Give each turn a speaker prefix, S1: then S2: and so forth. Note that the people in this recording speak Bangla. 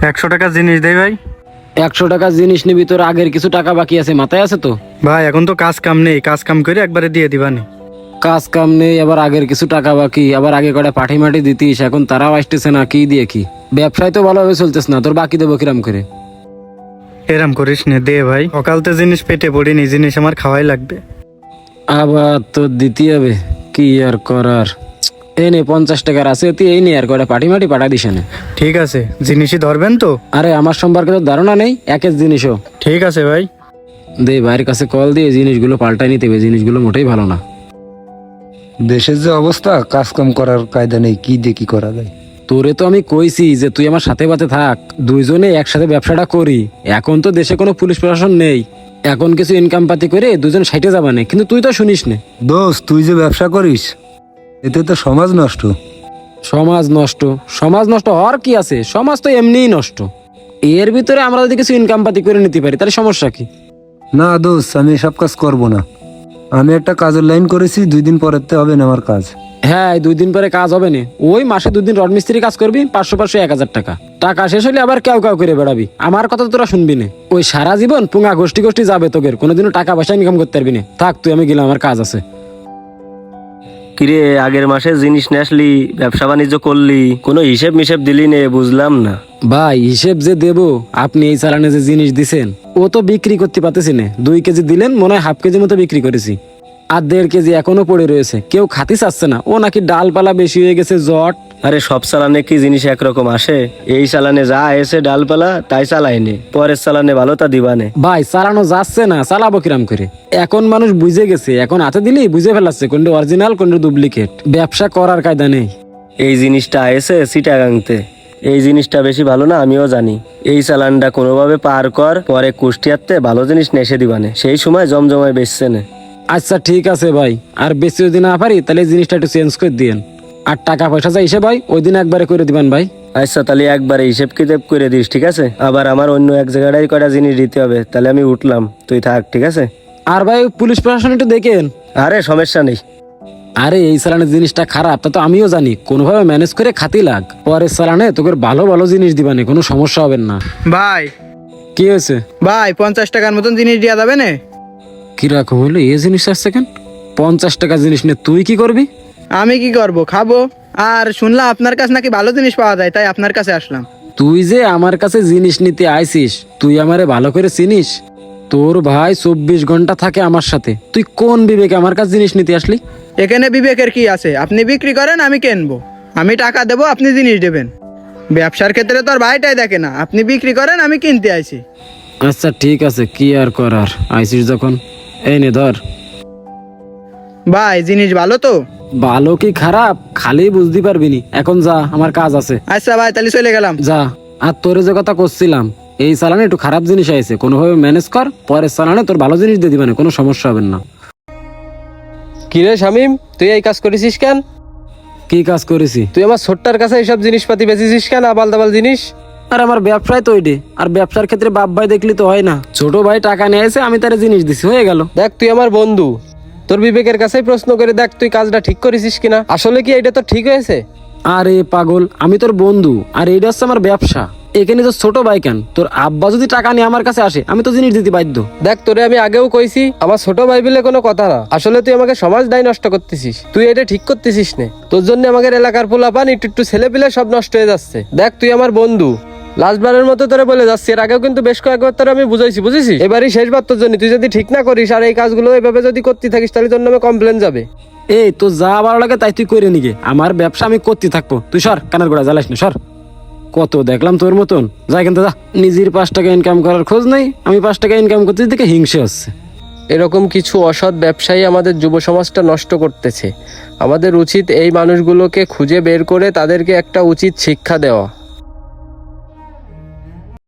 S1: 100 টাকা জিনিস দেই ভাই।
S2: 100 টাকা জিনিস নিবি, তোর আগের কিছু টাকা বাকি আছে, মাথায় আছে তো?
S1: ভাই এখন তো কাজ কাম নেই, কাজ কাম করে একবারে দিয়ে দিবানি।
S2: কাজ কাম নেই, আবার আগের কিছু টাকা বাকি, আবার আগে কটা পাঠি মাটি দিতিস, এখন তারাও আসতেছে না, কি দিয়ে কি? ব্যবসায় তো ভালোভাবে চলতেছ না, তোর বাকি দেবো কিরাম করে?
S1: এরম করিস নে, দে ভাই, সকালতে জিনিস পেটে পড়িনি, জিনিস আমার খাওয়াই লাগবে।
S2: আবার তো দিতে হবে, কি আর করার। এই নে 50 টাকার আছে, তুই এই নে আর কটা পাঠি মাটি পাঠা দিস না।
S1: ঠিক আছে, জিনিসই ধরবেন তো?
S2: আরে আমার সম্পর্কে তো ধারণা নেই, একের জিনিসও।
S1: ঠিক আছে ভাই।
S2: দে ভাইয়ের কাছে কল দিয়ে জিনিসগুলো পাল্টাই নিতে হবে, জিনিসগুলো মোটেই ভালো না।
S3: দেশের যে অবস্থা, কাজ কাম করার কায়দা নেই, কি দিয়ে কি করা যায়।
S2: তোরে তো আমি কইছি যে তুই আমার সাথে পাতে থাক, দুইজনে একসাথে ব্যবসাটা করি। এখন তো দেশে কোনো পুলিশ প্রশাসন নেই, এখন কিছু ইনকাম পাতি করে দুজন সাইটে যাবা না, কিন্তু তুই তো শুনিস না।
S3: দোস্ত, তুই যে ব্যবসা করিস, এতে তো সমাজ নষ্ট।
S2: সমাজ নষ্ট? সমাজ নষ্ট হওয়ার কি আছে, সমাজ তো এমনিই নষ্ট। এর ভিতরে আমরা যদি কিছু ইনকাম পাতি করে নিতে পারি তাহলে সমস্যা কি?
S3: না দোস্ত, আমি এসব কাজ করব না। আমি একটা কাজের লাইন করেছি, 2 দিন পরেতে হবে না আমার কাজ।
S2: হ্যাঁ, এই 2 দিন পরে কাজ হবে না, ওই মাসে 2 দিন রড মিস্ত্রি কাজ করবি, 500 1000 টাকা। টাকা শেষ হলে আবার কেউ কেউ করে বেড়াবি, আমার কথা তো তোরা শুনবি না। ওই সারা জীবন পুঙ্গা গোষ্ঠী গোষ্ঠী যাবে, তোদের কোনোদিনও টাকা পয়সা ইনকাম করতে পারবি না। থাক তুই, আমি গেলাম, আমার কাজ আছে।
S4: কিরে, আগের মাসে জিনিস নিয়ে আসলি, ব্যবসা বাণিজ্য করলি, কোনো হিসেব মিসেব দিলি নে, বুঝলাম না।
S2: ভাই হিসেব যে দেবো, আপনি এই চালানে যে জিনিস দিছেন ও তো বিক্রি করতে পারতেছি না। 2 কেজি দিলেন, মনে হয় 1/2 কেজি মতো বিক্রি করেছি, আর 1.5 কেজি এখনো পড়ে রয়েছে, কেউ খাতি চাচ্ছে না। ও নাকি ডালপালা বেশি হয়ে গেছে, জট।
S4: আরে সব চালানে কি জিনিস একরকম আসে? এই চালানে যা এসে ডালপালা তাই চালাইনে, পরের চালানে ভালো তা দিবানে।
S2: ভাই চালানো যাচ্ছে না, চালাবো কিরাম করে? এখন মানুষ বুঝে গেছে, এখন হাতে দিলেই বুঝে ফেলাচ্ছে কোনটা অরিজিনাল কোনটা ডুপ্লিকেট। ব্যবসা করার কায়দা নেই।
S4: এই জিনিসটা এসে চিটাগাংতে, এই জিনিসটা বেশি ভালো না, আমিও জানি। এই চালানটা কোনোভাবে পার কর, পরে কুষ্টিয়াতে ভালো জিনিস নেসে দিবানে, সেই সময় জমজমায় বেচছে না।
S2: আচ্ছা ঠিক আছে ভাই, আর বেশি যদি না পারি তাহলে এই জিনিসটা একটু চেঞ্জ করে দিয়েন। আর টাকা পয়সা যা হিসেব ভাই ওই দিন একবারে করে দিবেন ভাই।
S4: আচ্ছা তাহলে একবারে হিসেব কিতাব করে দিস, ঠিক আছে? আবার আমার অন্য এক জায়গাটাই কটা জিনিস দিতে হবে, তাহলে আমি উঠলাম, তুই থাক, ঠিক আছে?
S2: আর ভাই পুলিশ প্রশাসন একটু দেখেন।
S4: আরে সমস্যা নেই।
S2: আরে এই চালানের জিনিসটা খারাপ তা তো আমিও জানি, কোনোভাবে ম্যানেজ করে খাতি লাগ, পরের চালানে তোকে ভালো ভালো জিনিস দিবানে, কোনো সমস্যা হবে না।
S1: ভাই
S2: কি হয়েছে
S1: ভাই 50 টাকার মতন জিনিস দেওয়া যাবে না?
S2: কিরকম হইলো এই জিনিস আসছে কেন? 50 টাকা জিনিস নিয়ে তুই কি করবি?
S1: আমি কি করব, খাবো। আর শুনলাম আপনার কাছে নাকি ভালো জিনিস পাওয়া যায়, তাই আপনার কাছে আসলাম।
S2: তুই যে আমার কাছে জিনিস নিতে আইছিস, তুই আমারে ভালো করে চিনিস? তোর ভাই 24 ঘন্টা থাকে আমার সাথে, তুই কোন বিবেকে আমার কাছে জিনিস নিতে আসলি?
S1: এখানে বিবেকের কি আছে? আপনি বিক্রি করেন, আমি কিনবো, আমি টাকা দেবো, আপনি জিনিস দেবেন। ব্যবসার ক্ষেত্রে তো আর ভাইটাই দেখে না, আপনি বিক্রি করেন, আমি কিনতে আইছি।
S2: আচ্ছা ঠিক আছে, কি আর করার, আইছিস যখন এই নে ধর।
S1: ভাই জিনিস ভালো তো?
S2: ভালো কি খারাপ খালি বুঝতে পারবি নি, এখন যা, আমার কাজ আছে।
S1: আচ্ছা ভাই, তাহলে চলে গেলাম।
S2: যা। আর তোরে যে কথা করছিলাম, এই চালানে একটু খারাপ জিনিস আইছে, কোনোভাবে ম্যানেজ কর, পরের চালানে তোর ভালো জিনিস দিয়ে দিবে না, কোনো সমস্যা হবে না।
S5: কিরে শামিম, তুই এই কাজ করেছিস কেন?
S2: কি কাজ করেছি?
S5: তুই আমার ছোট্টার কাছে এইসব জিনিসপাতি বেচেছিস কেন, আবাল দাবাল জিনিস?
S2: আর আমার ব্যবসায় তো ওইটে, আর ব্যবসার ক্ষেত্রে বাপ ভাই দেখলি তো হয় না। ছোট ভাই টাকা নিয়ে এসে আমি তার জিনিস দিছি, হয়ে গেল।
S5: দেখ তুই আমার বন্ধু, তোর বিবেকের কাছেই প্রশ্ন করে দেখ তুই কাজটা ঠিক করেছিস কিনা, আসলে কি এটা তো ঠিক হয়েছে?
S2: আরে পাগল, আমি তোর বন্ধু, আর এইটা হচ্ছে আমার ব্যবসা। এখানে তো ছোট ভাই কেন, তোর আব্বা যদি টাকা নিয়ে আমার কাছে আসে আমি তো জিনিস দিতে বাধ্য।
S5: দেখ তোরে আমি আগেও কইছি, আমার ছোট ভাই বলে কোনো কথা না, আসলে তুই আমাকে সমাজ দায় নষ্ট করতেছিস, তুই এটা ঠিক করতেছিস না। তোর জন্য আমাদের এলাকার পোলাপান একটু ছেলে পিলে সব নষ্ট হয়ে যাচ্ছে। দেখ তুই আমার বন্ধু, লাস্টবারের মতো তোরে বলে যাচ্ছি, এর আগেও কিন্তু বেশ কয়েকবার তোরে আমি বুঝাইছি, বুঝেছিস? এবারই শেষবার তোর জন্য, তুই যদি ঠিক না করিস আর এই কাজগুলো এইভাবে যদি করতে থাকিস তাহলে তোর নামে কমপ্লেন যাবে।
S2: এই তো যা ভালো লাগে তাই তুই করে নিগে, আমার ব্যবসা আমি করতে থাকবো, তুই সর, কানের গোড়া জ্বালাস না, সর। কত দেখলাম তোর মতন, যাই কিন্তু যা। নিজের 5 টাকা ইনকাম করার খোঁজ নেই, আমি 5 টাকা ইনকাম করতে দেখে হিংসে হচ্ছে।
S5: এরকম কিছু অসৎ ব্যবসায়ী আমাদের যুব সমাজটা নষ্ট করতেছে। আমাদের উচিত এই মানুষগুলোকে খুঁজে বের করে তাদেরকে একটা উচিত শিক্ষা দেওয়া।